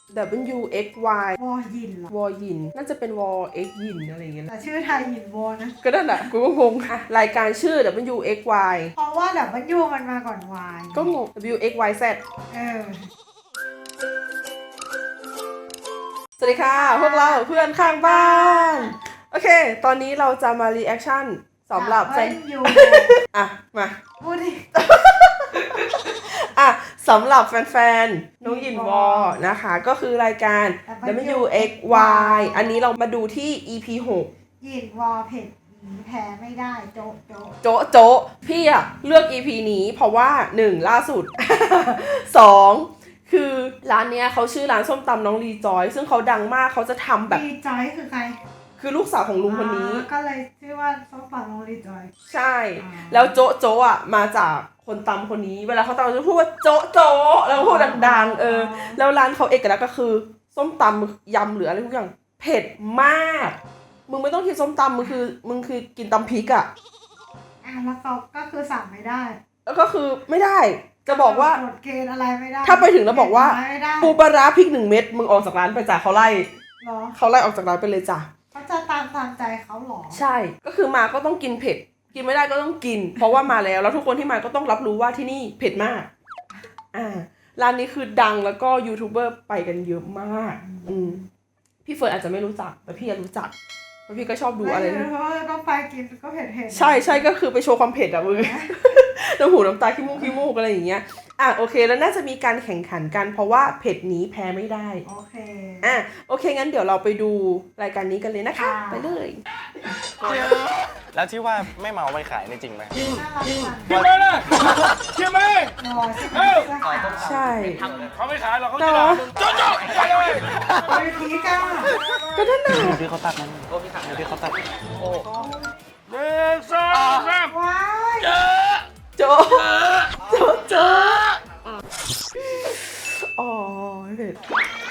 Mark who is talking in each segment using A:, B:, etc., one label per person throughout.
A: W X Y
B: วอยินเหรอ
A: วอยินน่าจะเป็นวอ X ยินอะไรอย่างเงี้ย
B: แต่ชื่อไทยยินวอนะ
A: ก็นั่นแหละกูก็งงอ่ะรายการชื่อ W X Y
B: เพราะว่าWมันมาก่อน Y
A: ก็งง W X Y Z สวัสดีค่ะ พวกเราเพื่อนข้างบ้าน โอเค ตอนนี้เราจะมารีแอคชั่นสำหรับแฟน
B: ยู
A: อ่ะ มา
B: พูดดิ
A: อ่ะสำหรับแฟนๆ น้องยินวอนะคะ ก็คือรายการ W X Y อันนี้เรามาดูที่ EP 6
B: ยินวอเผ็ดหนีแพ้ไม่ได้โจ๊ะโจ๊ะ
A: โจ๊ะโจ๊ะพี่อะเลือก EP นี้เพราะว่า 1. ล่าสุด 2. คือร้านเนี้ยเขาชื่อร้านส้มตำน้องรีจอย ซึ่งเขาดังมากเขาจะทำแบบ
B: รีจอยคือใคร
A: คือลูกสาวของลุงคนนี้
B: ก็เลยชื่อว่าส้มตำน้องรีจอย
A: ใช่ แล้วโจ๊ะโจ๊ะอะมาจากคนตำคนนี้ เวลาเขาตำจะพูดว่าโจ๊ะโจ๊ะแล้วก็พูดดังๆแล้วร้านเขาเอกลักษณ์ก็คือส้มตำยำหรืออะไรทุกอย่างเผ็ดมากมึงไม่ต้องกินส้มตำมึงคือกินตำพริกอะ
B: แล้วเขาก็คือสั่งไม่ได้
A: แล้วก็คือไม่ได้จะบอกว่า
B: กฎเกณฑ์อะไรไม่ได้
A: ถ้าไปถึงแล้วบอกว่า
B: ไม่ได้
A: ปูปลาร้าพริก1 เม็ดมึงออกจากร้านไปจ้ะเขาไล่
B: เหรอ
A: เขาไล่ออกจากร้านไปเลยจ้ะ
B: เขาจะตามใจเขาเหรอ
A: ใช่ก็คือมาก็ต้องกินเผ็ดกินไม่ได้ก็ต้องกิน เพราะว่ามาแล้วทุกคนที่มาก็ต้องรับรู้ว่าที่นี่เผ็ดมากร้านนี้คือดังแล้วก็ยูทูบเบอร์ไปกันเยอะมากพี่เฟิร์นอาจจะไม่รู้จักแต่พี่รู้จักเพราะพี่ก็ชอบดูอะไร
B: ไม่เพราะว่าก็ไปกินก็เผ็ดๆ
A: ใช่ก็คือไปโชว์ความเผ็ดอะมึง น้ำหูน้ำตาขี้มูกอะไรอย่างเงี้ยโอเคแล้วน่าจะมีการแข่งขันกันเพราะว่าเผ็ดนี้แพ้ไม่ได้
B: โอเค
A: โอเคงั้นเดี๋ยวเราไปดูรายการนี้กันเลยนะคะ ไปเลย
C: แล้วที่ว่าไม่เมาไม่ขายนี่จริงไหม
B: น่ารักจัง
D: เชื่อไหมล่ะเชื่อไหม
B: รอใช่ไหมเสื้อขาว
A: ใช่
D: เขาไม่ขายหรอกเขาจะด่ามึงโจ๊ะไปเลย
B: ไปพีก้า
A: ก็นั่นน่ะ
C: ดูที่เขาตัดนั่นดูที่เขาตัด
D: 1 2 3
B: ว้าย
A: โจอ๋อเผ็ด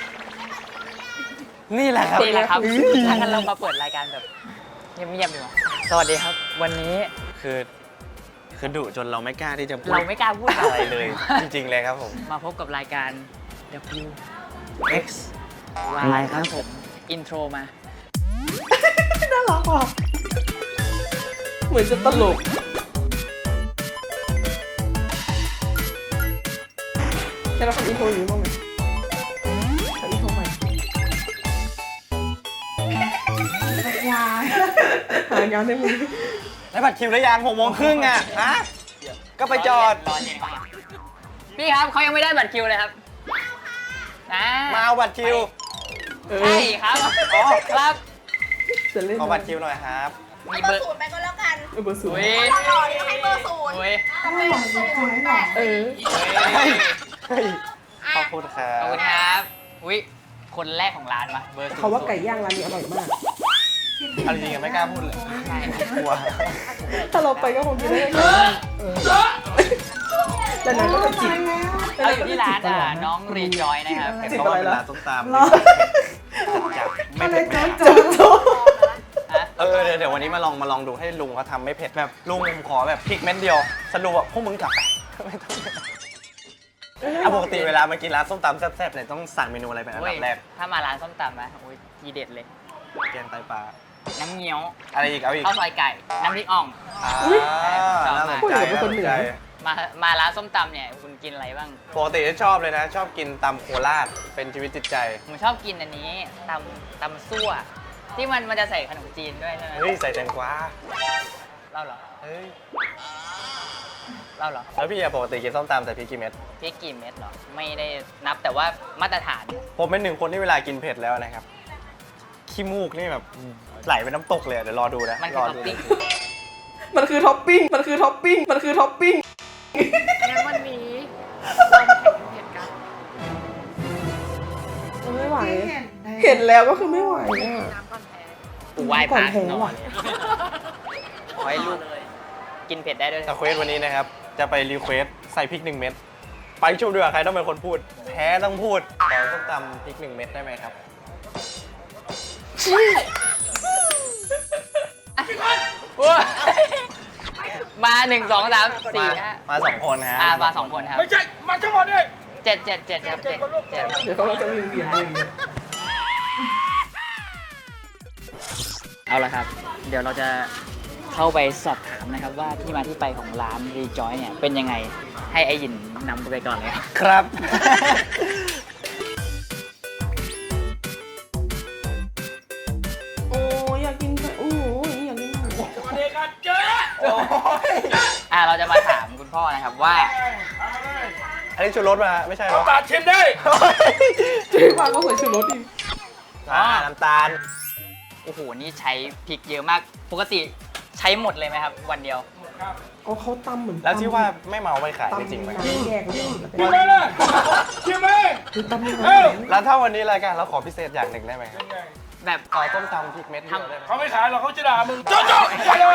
C: นี่แหละครับ
E: นี่แหละครับถ้างั้นเรามาเปิดรายการแบบเงียบๆดีกว่าสวัสดีครับ วันนี้
C: คือดุจนเราไม่กล้าที่จะพูด
E: เราไม่กล้าพูด
C: อะไรเลย จริงๆเลยครับผม
E: มาพบกับรายการ W
C: X
E: Y ครับผม อินโทรมา
A: น่ารักว่ะเหมือนจะตลกจะเราทำอินโทรอยู่บ้างไหมทำอินโทรใหม่
B: ยาย
A: หางานได้มึง
C: แล้วบัตรคิวแล้วยัง6:30อ่ะฮะก็ไปจอด
E: พี่ครับเขายังไม่ได้บัตรคิวเลยครับนะ
C: มาเอาบัตรคิว
E: ใช่ครับอ๋อครับ
A: จะเล่น
C: ขอบัตรคิวหน่อยครับ
E: มีเบอร์
F: ศูนย์ไปก็แล้วกัน
A: เบอร์ศูน
E: อุ้
A: ย์
E: ย
F: หล่อๆให้เบอร์ศูนย์
E: อุ้ย
B: ไม่หล่อจริงๆหรอ
A: เออ
C: เฮ้ยขอบคุณครั
E: ขอบคุ
C: บ
E: ณครับอุ้ยคนแรกของร้านวะเบอร์
A: เขาว่าไก่ย่างร้านนี้อร่อยมาก
C: เอาจริงๆไม่กล้าพูดเลย
E: ใช่
C: กลัว
A: ถ้าเราไปก็คงกินได้แต่นั้นก็จะจิบ
E: เราอยู่ที่ร้านน้องรีจอยนะครับ
C: เห็น
A: จิบ
C: เขา
A: อะไร
C: ว่าเป็น
A: ล่ะ
C: ร้านส้มตำ
B: หรอ
C: จับไม่
B: อะไร
C: เผ็ด
B: โจ๊ะโจ๊ะ
C: เดี๋ยววันนี้มาลองดูให้ลุงเขาทำไม่เผ็ดแบบลุงผมขอแบบพริกเม็ดเดียวสรุปว่าพวกมึงกลับไปไม่ต้องปกติเวลามากินร้านส้มตำแซ่บๆเนี่ยต้องสั่งเมนูอะไรเป็นอัน
E: โอ้ย
C: ดับแรก
E: ถ้ามาร้านส้มตำนะโอ้ยทีเด็ดเลย
C: แกงไตปลา
E: น้ำเงี้ยว
C: อะไรอีกเอาอีก
E: ข้าวซอยไก่ น้ำพริกอ่อง
C: น่าสนใจน่าสนใจ
E: มาร้านส้มตำเนี่ยคุณกินอะไรบ้าง
C: ปกติจะชอบเลยนะ ชอบกินตำโคราชเป็นชีวิตจิตใจ
E: ผมชอบกินอันนี้ตำซั่ว ที่มันจะใส่ขนมจีนด้วยใช่ไหม
C: เฮ้ยใส่แตงกวา
E: เล่าเหรอ
C: เฮ้ย
E: เล่าเหรอ
C: แล้วพี่ปกติกินส้มตำใส่พริกกี่เม็ด
E: พริกกี่เม็ดเหรอ ไม่ได้นับแต่ว่ามาตรฐาน
C: ผมเป็นหนึ่งคนที่เวลากินเผ็ดแล้วนะครับขี้มูกนี่แบบไหลเป็นน้ำตกเลยเดี๋ยวรอดูนะ
E: มันคือ
C: ร
E: ท็อปปิ้ง
A: มันคือท็อปปิ้ง มันคือท็อปปิ้ง มันคือท็อปปิ้ง
F: งั้นวันนี้เรามาแข่งเผ็ดกัน
A: ไม่ไหว
B: ที่
A: เห็นแล้วก็คือไม่ไหวอ่ะ
F: น้ำก่อนแพ้
E: กูไหว้พระ
A: ก่อนแพ้
E: นอ
A: ว่ะ
E: นขอให้ลูกกินเผ็ดได้ด้วย
C: แต่เควสวันนี้นะครับ จะไปรีเควสใส่พริก1 เม็ดไปชุบดีกว่าใครต้องเป็นคนพูด แพ้ต้องพูดขอส้มตำพริก1 เม็ดได้ไหมครับ
E: มา1 2 3 4
C: มา2 คนฮะ
E: มา2 คนครับ
D: ไม่ใช่ มาทั้งหมดเลย
E: 7ครับ7
A: เดี๋ยวเขาก็จะเวียนเวียนเลย
E: เอาละครับ เดี๋ยวเราจะเข้าไปสอบถามนะครับว่าที่มาที่ไปของร้าน Rejoy เนี่ยเป็นยังไง ให้ไอหยินนำไปก่อนเลยครับ
C: ครับ
A: โอ้ยอยากกินโอ้ยอยากกินหมู
D: มาเด็กกันเจ๊
E: เราจะมาถามคุณพ่อนะครับว่า
C: อันนี้ชูรสมาไม่ใช่เหร
D: เอา
C: อ
D: ปาดชิมได้
A: เจ๊ว่าก็ใส่ชูรสดิ
C: น้ำตาล
E: โอ้โห นี่ใช้พริกเยอะมาก ปกติใช้หมดเลยไหมครับ วันเดียว
A: เอาเขาตำเหมือน
C: แล้วที่ว่าไม่เมาไม่ขายจริงไหม
A: ตำแยกกัน
D: ชิมไหมล่ะชิมไหม
A: คือตำยังไง
C: แล้วถ้าวันนี้รายการเราขอพิเศษอย่างหนึ่งได้ไหมครับ
E: แบบ
C: ขอต้มตำพริกเม็ดเดียวได้ไหม
D: เขาไม่ขายหรอกเขาจะด่ามึงโจ๊ะไปเลย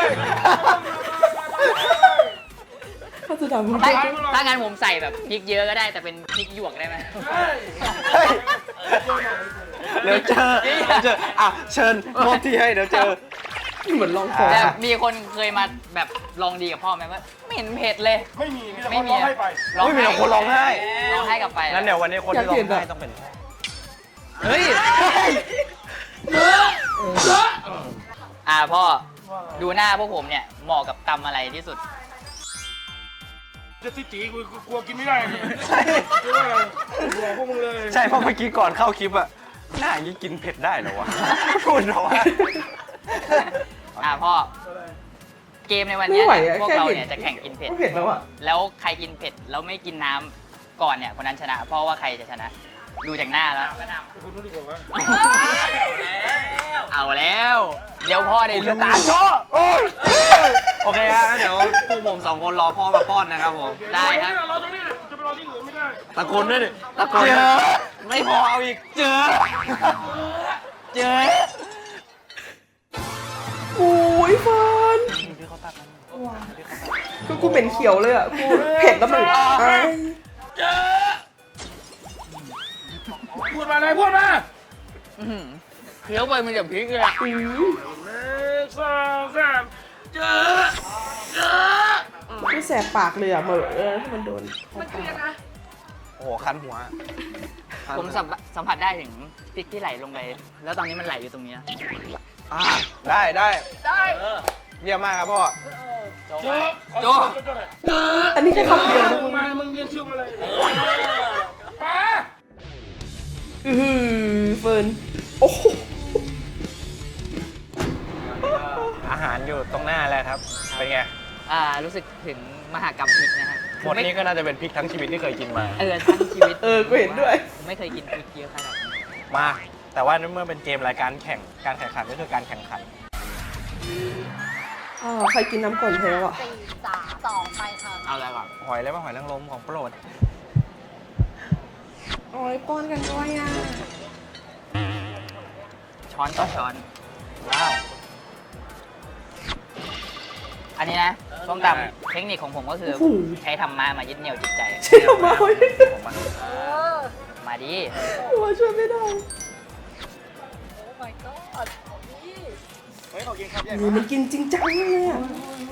A: ถ้าจะดำมัน
E: ถ้างั้นผมใส่แบบพริกเยอะก็ได้ แต่เป็นพริกหยวกได้ไหม
C: เฮ้ยเดี๋ยวเจออ่ะเชิญมอบที่ให้เดี๋ยวเจอ
A: เหมือนลองของ
E: แต่มีคนเคยมาแบบลองดีกับพ่อไหมว่าไม่เห็นเผ็ดเลย
D: ไม่มีมีแต่คนร้องให้ไป
C: ไม่มีแต่คนร้องไห้
E: ร้องไห้กลับไป
C: งั้นเดี๋ยววันนี้คนที่ร้องไห้ต้องเป็นพ่อเฮ้ย
E: พ่อดูหน้าพวกผมเนี่ยเหมาะกับตำอะไรที่สุด
D: จะติจีกูกลัวกินไม่ได้กลัวพวกมึงเลย
C: ใช่เพราะเมื่อกี้ก่อนเข้าคลิปอะหน้าอย่างนี้กินเผ็ดได้เหรอวะพูดเหรอวะ
E: พ่อเกมในวันเนี้ยพวกเราเนี่ยจะแข่งกินเผ็ด
A: ก็เผ็ดแล้วอ่ะ
E: แล้วใครกินเผ็ดแล้วไม่กินน้ำก่อนเนี่ยคนนั้นชนะ เพราะว่าใครจะชนะ ดูจากหน้าแล้ว
D: คุณรู้ดีกว่าว่า
E: เอาแล้ว เดี๋ยวพ่อได้รู้
C: โอเคฮะงั้นเดี๋ยวพวกผมสองคนรอพ่อมาป้อนนะครับผม
E: ได้ครับ
D: เราตรงนี้จะไปรอที่อื่นไม่ได้
C: ตะโกนด้วยดิตะโกนไม่พอเอาอีกเจอ
A: โอ้ยเฟิร์นคือกูเป็นเขียวเลยอ่ะ กูเผ็ดแล้วมันอาย
D: พูดมาเลยพูดมา
E: อื้อหือเคี้ยวไปมันจะพริกเลยอะ
D: 1 2 3เจอ
A: กูแสบปากเลยอ่ะเหมือนถ้ามันโดน
F: มันคือยังไง
C: โอ้โหคันหัว
E: ผมสัมผัสได้ถึงพริกที่ไหลลงไป แล้วตอนนี้มันไหลอยู่ตรงเนี้ย
C: ได้
F: ได้
C: เยี่ยมมากครับพ่อ
D: โจ
A: อันนี้แค่คำเดียวนะ
D: มึ
A: มึ
D: ง
A: ง
D: มามึงเรียนชื่อมาเลยป้า
A: เฟิร์นโอ้โห
C: อาหารอยู่ตรงหน้าแล้วครับ เป็นไง
E: รู้สึกถึงมหากรรมพริกนะฮะ
C: หมดนี้ก็น่าจะเป็นพริกทั้งชีวิตที่เคยกินมา
E: ทั้งชีวิต
A: กูเห็นด้วย
E: ผมไม่เคยกินพริกเยอะขนาดนี้
C: มา แต่ว่าเมื่อเป็นเกมรายการแข่ง การแข่งขันก็คือการแข่งขัน
A: ใครกินน้ำก่อนแพ้อ่ะ
F: 4 3 2 ไปค่ะ
E: เอาอะไรก่อน
C: หอยเลยว่าหอยนางรมของโปรด
A: โอ้ยป้อนกันด้วยอ่ะ
E: ช้อนต่อช้อน
C: ว้าว
E: อันนี้นะส้มตำเทคนิคของผมก็คือ
A: โอ้โห
E: ใช้ธรรมะมายึดเหนี่ยวจิตใจ
A: เชี่ยวมาเว้ย
E: มาดิ
A: ว่าช่วยไม่ได้
F: โอ้ my god นี่
A: นี่มันกินจริงจังเลยอ่ะ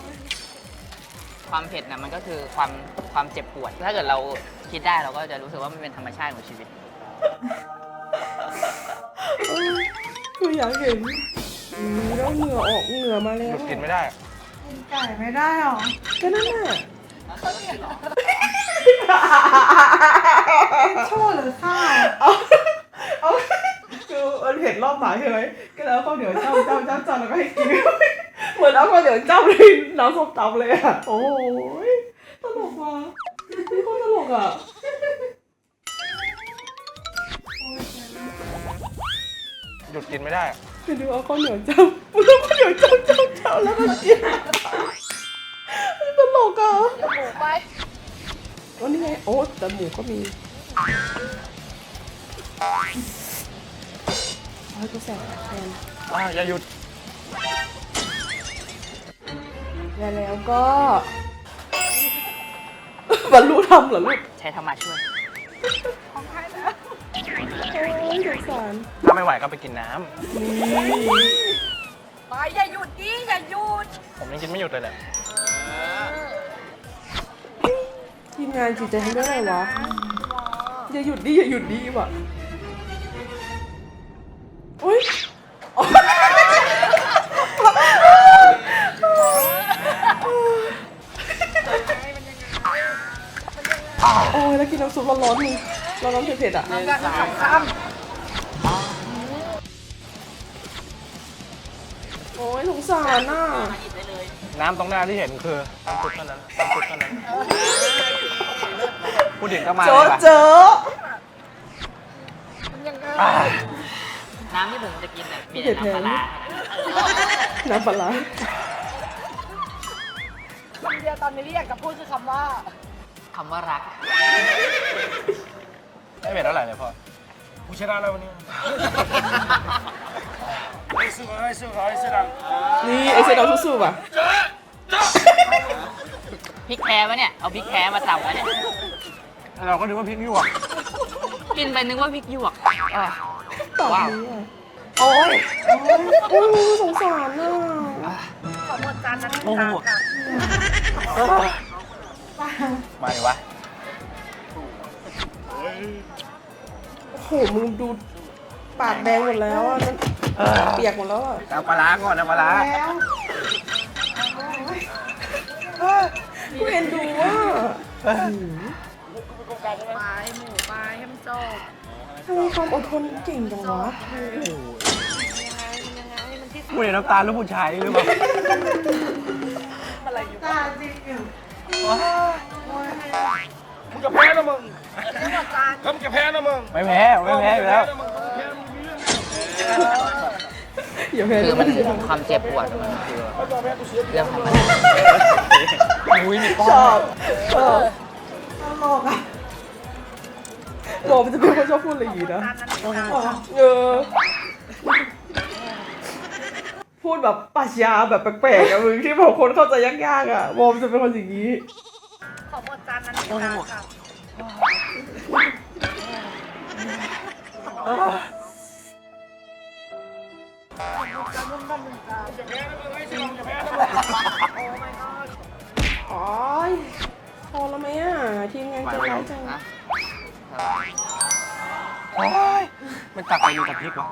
E: ความเผ็ดนะมันก็คือความเจ็บปวด ถ้าเกิดเราคิดได้เราก็จะรู้สึกว่ามันเป็นธรรมชาติของชีวิต
A: กูอยากเห็นแล้วเหงื่อออกเหงื่อมาแล้
C: ห
A: ว
C: ยุดกินไม่ได้
B: กินไก่ไม่ได้หรอ
A: ก็นั่นน่ะ
B: โชว์หรือข้าว
A: เอาคือมันเผ็ดรอบหมาใช่ไหมก็แล้วข้าวเหนียวเจ้าแล้วก็ให้กินเหมือนเอาข้าวเหนียวเจ้าในน้ำส้มตำเลยอ่ะ โอ้ยตลกว่ะนี่โคตรตลกอ่ะ
C: หยุดกินไม่ได้
A: คือดูเอาข้าวเหนียวเจ้าแล้วข้าวเหนียวเจ้าแล้วก็กินตลกอ่ะ
F: เดี๋ยวหมูไป
A: วันนี้ไงโอ้แต่หมูก็มีโอ้ยกูแสบแทน
C: อย่าหยุด
A: แล้วก็บรรลุธรรมเหรอลูก
E: ใช้ธรรมะช่วย
A: โอ้ยสงสาร
C: ถ้าไม่ไหวก็ไปกินน้
F: ไปอย่าหยุดดิอย่าหยุด
C: ำ ผมยังกินไม่หยุดเลยแหละ
A: ทีมงานจิตใจทำได้ไงวะอย่าหยุดดิอย่าหยุดดิว่ะอุ้ยโอ้ยแล้วกินน้ำซุปร้อนๆมึงร้อนๆเผ็ดๆอ่ะ
B: กันข้าม
A: โอ้ยสงสารน่ะ
C: น้ำตรงหน้าที่เห็นคือน้ำซุปเท่านั้นน้ำซุปเท่านั้นพูดถึงก็มา
A: เจ
C: เล
A: อย
C: ป่ะ
A: เจอ
C: อ่า
E: น้ำที่ผมจะกินเนี่ยมีแต่น้ำปลาร้า
A: น้ำปลาร้า
B: คำเดียวตอนนี้ที่อยากจะพูดคือคำว่า
E: คำว่ารัก
C: ไม่เผ็ดเท่าไหร่เลยพ่อ
D: กูชนะแล้ววันนี้ไอ้สู้ไอ้สู้ไอ้สู้ดัง
A: นี่ไอเซดเอาสู้ๆป่ะ
E: พริกแท้ปะเนี่ย เอาพริกแท้มาตำวะเนี่ย
C: เราก็นึกว่าพริกหยวก
E: กินไปนึกว่าพริกหยวกอ่ะ
A: ตอบ
E: ว้าว
A: นี้อ่ะโอ้ยโอ้ยสงสารน่ะ
B: ขอหมดจานนั้น
C: โอ้โห มาดิวะ
A: โอ้โหมึงดูปากแดงหมดแล้วอ่ะนั่นเปียกหมดแล้วอ่ะ
C: เอาปลาร้าก่อนนะปลาร้า
B: แล้ว
A: กูเอ็นดูว่า
F: ไปหมูไปให้มันจบ
A: ทำไมความอดทนเก่งจังวะ
F: มันที่
C: พูดในน้ำตาลูกผู้ชายหรือเปล่า
B: ตาจริงอยู่
D: มึงจะแพ้นะมึงแล้วมึงจะแพ้นะมึง
C: ไม่แพ้ไม่แพ้อยู่แล้ว
A: อย่าแพ้
E: คือมัน
A: เลย
E: ความเจ็บปวดมันคือเรื่องธรรมดา
C: อุ้ยมีป้อ
A: ชอบชอบ
B: ตลกอ่ะ
A: บอกมันจะเป็นคนชอบพูดอะไรอย่างนี้นะเออพูดแบบปรัชญาแบบแปลกๆอะมึงที่บอกคนเข้าใจยากๆอะบอกมันจะเป็นคนอย่างนี้
B: ขอหมดจานนั้นค่ะ
A: อ๋อพอแล้วไหมอ่ะ ทีมงานใจร้ายจัง
E: นะ
C: โอ้ยมันตักไปมีแต่พริกวะ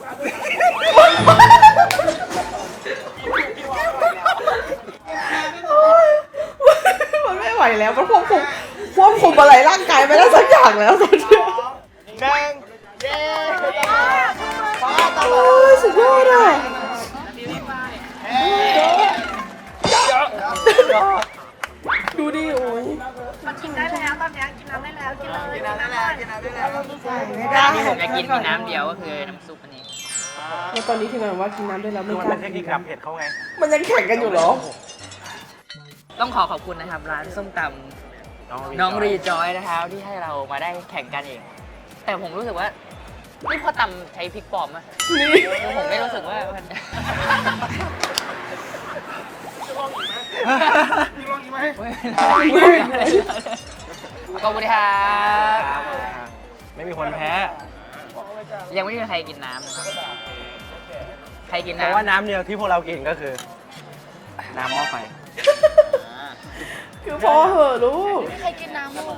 A: มันไม่ไหวแล้ว มันควบคุมอะไรร่างกายไม่ได้สักอย่างแล้วตอนนี้โอ้ยสุดยอดอ่ะดูดิโอ้ย
B: มันกินได้แล้วตอนนี้กินน้ำได้แล้วกินเลยกินน้ำได้แล้วกินน้ำได้แล้วใส่ไม่ได้
E: น้ำที่ผมจะกินมีน้ำเดียวก็คือน้ำซุปอันนี้
A: แล้วตอนนี้ทีมงานบอกว่ากินน้ำได้แล้ว
C: คือ
A: ไม่
C: มัน
A: ก
C: เป็
A: ล้าน
C: เทคนิคดับเผ็ดเขาไง
A: มันยังแข่งกันอยู่เหรอ
E: ต้องขอบคุณนะครับ ร้านส้มตำน้องรีจอยนะครับที่ให้เรามาได้แข่งกันเอง แต่ผมรู้สึกว่านี่พอตำใช้พริกปลอมอะ
A: นี่
E: คือผมไม่รู้สึกว่ามัน
D: มีลองอีกไหม
E: ขอบคุณครับ
C: ไม่มีคนแพ้
E: ยังไม่มีใครกินน้ำนะครับใครกิน
C: แต่
E: น้ำ
C: ว่าน้ำเดียวที่พวกเรากินก็คือ น้ำหม้อไฟ
A: คือพอเหอะลูก
B: ใครกินน้ำลูก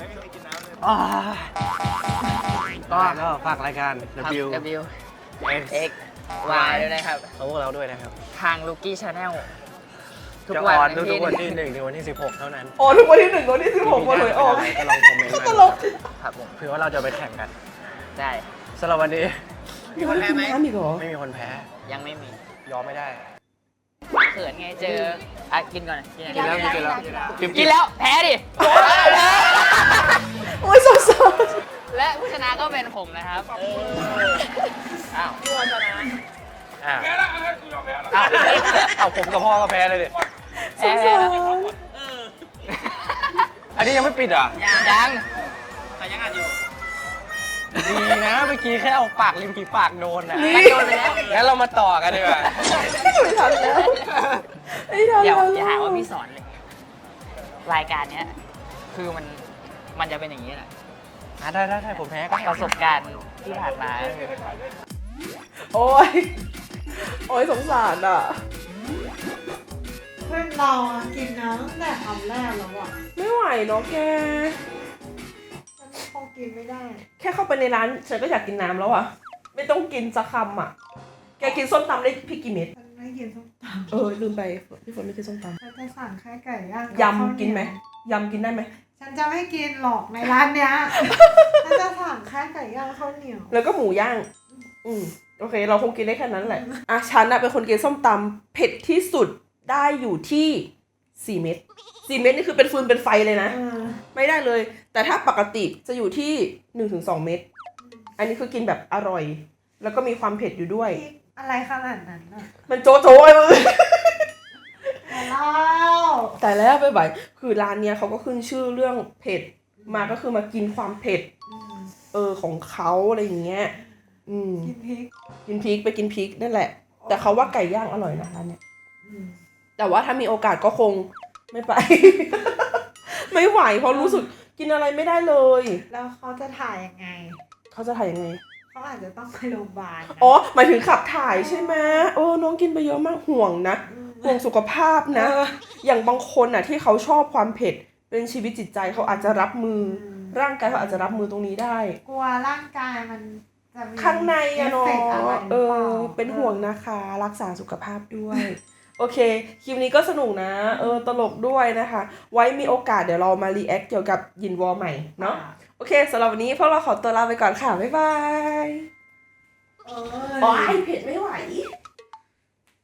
C: ก็ฝากรายการ W
E: W
C: X
E: X Y ด้วยนะครับ
C: ของพวกเราด้วยนะครับ
E: ทาง Lucky Channel ทุก
C: จะ
E: วั
C: ออน
E: น
C: ทุกๆวันที่1ถึงวันที่ 16 เท่านั้น
A: อ๋อทุกวันที่ 1 วันที่ 16วันหวยออก
C: ก็ลองคอมเมนต์
A: ต
C: มา
A: ลก
E: ครับผม
C: เผื่อว่าเราจะไปแข่งกัน
E: ได้
C: สำหรับวันนี้
A: มีคนกินน้ำอีกเหรอ
C: ไม่มีคนแพ้
E: ยังไม่มี
C: ยอมไม่ได้
E: เขินไงเจออ่ะกินก่อน
C: กินแล้วกินแล้ว
E: กินแล้วแพ้ดิ
A: โอ้ยสงสาร
E: และผู้ชนะก็เป็นผมนะครับอ้าว
C: อ่า
D: แพ้แล้วเฮ้ยกูยอมแพ้แล้ว
C: เอาผมกับพ่อก็แพ้เลยดิ
E: แพ้
A: สง
E: แล้ว
A: สาร
C: อันนี้ยังไม่ปิดเหรอ่ะ
E: ยังใครยังอ่านอยู่
C: ดีนะเมื่อกี้แค่เอาปากริมฝีปากโดนอ่ะ
E: มันโดนไปแล้ว
C: งั้นเรามาต่อกันดีกว่า
A: ไม่ทันแล้วไม่ทัน
E: เดี๋
A: แล้
E: ยว วอย่าหาว่าพี่สอนเลย รายการเนี้ยคือมันจะเป็นอย่างนี้แหละ
C: ได้ผมแพ้ก็
E: ประสบการณ์ที่ผ่านมาก็คือ
A: โอ้ย โอ้ยสงสารอ่ะ
B: เพื่อนเราอะกินน้ำตั้งแต่คำแรกแล้วอ่ะ
A: ไม่ไหวเนาะแก
B: ฉันคงกินไม่ได้
A: แค่เข้าไปในร้านฉันก็อยากกินน้ำแล้วอะไม่ต้องกินสักคำอะแกกินส้มตำได้พริกกี่เม็ด
B: ฉันไม่กินส้มต
A: ลืมไปพี่ฝนไม่กินส้มต
B: ำฉันจะสั่งแค่ไก่ย่าง
A: ำยำกินไหมยำกินได้ไหม
B: ฉันจะไม่กินหรอกในร้านเนี้ย ฉันจะสั่งแค่ไก่ย่างข้าวเหนียว
A: แล้วก็หมูย่างโอเค เราคงกินได้แค่นั้นแหละฉันอะเป็นคนกินส้มตำเผ็ดที่สุดได้อยู่ที่4 เม็ด4 เม็ดนี่คือเป็นฟืนเป็นไฟเลยนะ ไม่ได้เลย แต่ถ้าปกติจะอยู่ที่ 1-2 เม็ดอันนี้คือกินแบบอร่อย แล้วก็มีความเผ็ดอยู่ด้วย
B: พริกอะไรขนาดนั้นน่ะ
A: มันโจ๊ะโจ๊ะเลย
B: แต่เล่า
A: แต่แล้วไปคือร้านเนี้ยเขาก็ขึ้นชื่อเรื่องเผ็ดมาก็คือมากินความเผ็ดของเขาอะไรอย่างเงี้ย
B: กินพริก
A: กินพริกไปกินพริกนั่นแหละ แต่เขาว่าไก่ย่างอร่อยนะร้านเนี้ยแต่ว่าถ้ามีโอกาสก็คงไม่ไป ไม่ไหวเพราะรู้สึกกินอะไรไม่ได้เลย
B: แล้วเขาจะถ่ายยังไง
A: เขาจะถ่ายยังไง
B: เขาอาจจะต้องไปโรงพยาบาลนะ
A: อ๋อหมายถึงขับถ่ายใช่ไหมน้องกินไปเยอะมากห่วงนะห่วงสุขภาพนะ อย่างบางคนอ่ะที่เขาชอบความเผ็ดเป็นชีวิตจิตใจเขาอาจจะรับมือร่างกายเขาอาจจะรับมือตรงนี้ได้
B: กลัวร่างกายมันจะมี
A: ข้างในอะเนาะ
B: อฟฟกต์อะไรหรือเปล่า
A: เป็นห่วงนะคะรักษาสุขภาพด้วย โอเคคลิปนี้ก็สนุกนะตลกด้วยนะคะ ไว้มีโอกาสเดี๋ยวเรามารีแอคเกี่ยวกับยินวอใหม่เนาะโอเคสำหรับวันนี้พวกเราขอตัวลาไปก่อนค่ะบ๊ายบาย
B: เออ
A: อ๋อไอเผ็ดไม่ไหว